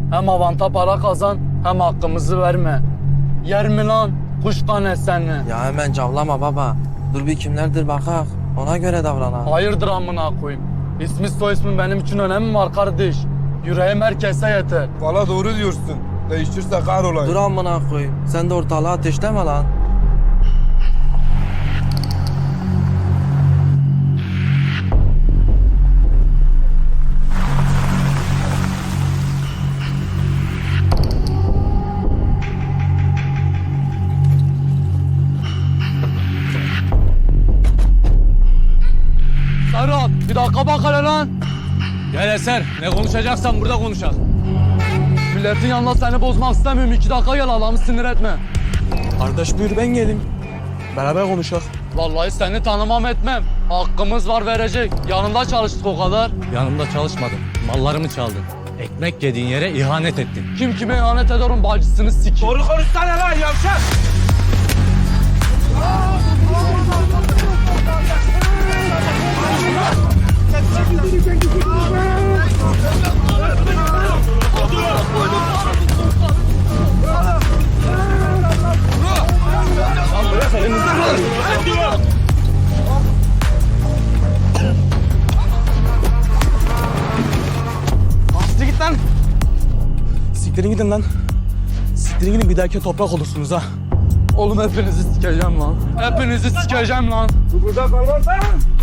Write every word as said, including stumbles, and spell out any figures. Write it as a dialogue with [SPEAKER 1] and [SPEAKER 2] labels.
[SPEAKER 1] Hem avanta para kazan hem hakkımızı verme. Yer mi lan kuş kanetsenli?
[SPEAKER 2] Ya hemen cavlama baba. Dur bir kimlerdir bakak. Ona göre davranak.
[SPEAKER 1] Hayırdır amına koyayım. İsmi soy ismin benim için önemi var kardeş. Yüreğim herkese yeter.
[SPEAKER 3] Valla doğru diyorsun. Değişirse kahrolayım.
[SPEAKER 2] Dur amına koyayım. Sen de ortalığı ateşleme lan.
[SPEAKER 1] Serhat bir dakika bak hele lan.
[SPEAKER 4] Gel Eser, ne konuşacaksan burada konuşalım.
[SPEAKER 1] Milletin yanında seni bozmak istemiyorum. İki dakika gel adamı sinir etme.
[SPEAKER 4] Kardeş buyur ben geleyim. Beraber konuşalım.
[SPEAKER 1] Vallahi seni tanımam etmem. Hakkımız var verecek. Yanında çalıştık o kadar.
[SPEAKER 4] Yanımda çalışmadın, mallarımı çaldın. Ekmek yediğin yere ihanet ettin.
[SPEAKER 1] Kim kime ihanet eder onun bacısını sikeyim.
[SPEAKER 3] Doğru konuşsana lan yavşak.
[SPEAKER 4] Siktir git lan. Siktirin gidin lan. Siktirin gidin bir dahaki toprak olursunuz ha.
[SPEAKER 1] Oğlum hepinizi sikeceğim lan. Hepinizi sikeceğim lan.
[SPEAKER 3] Burada kalmazsan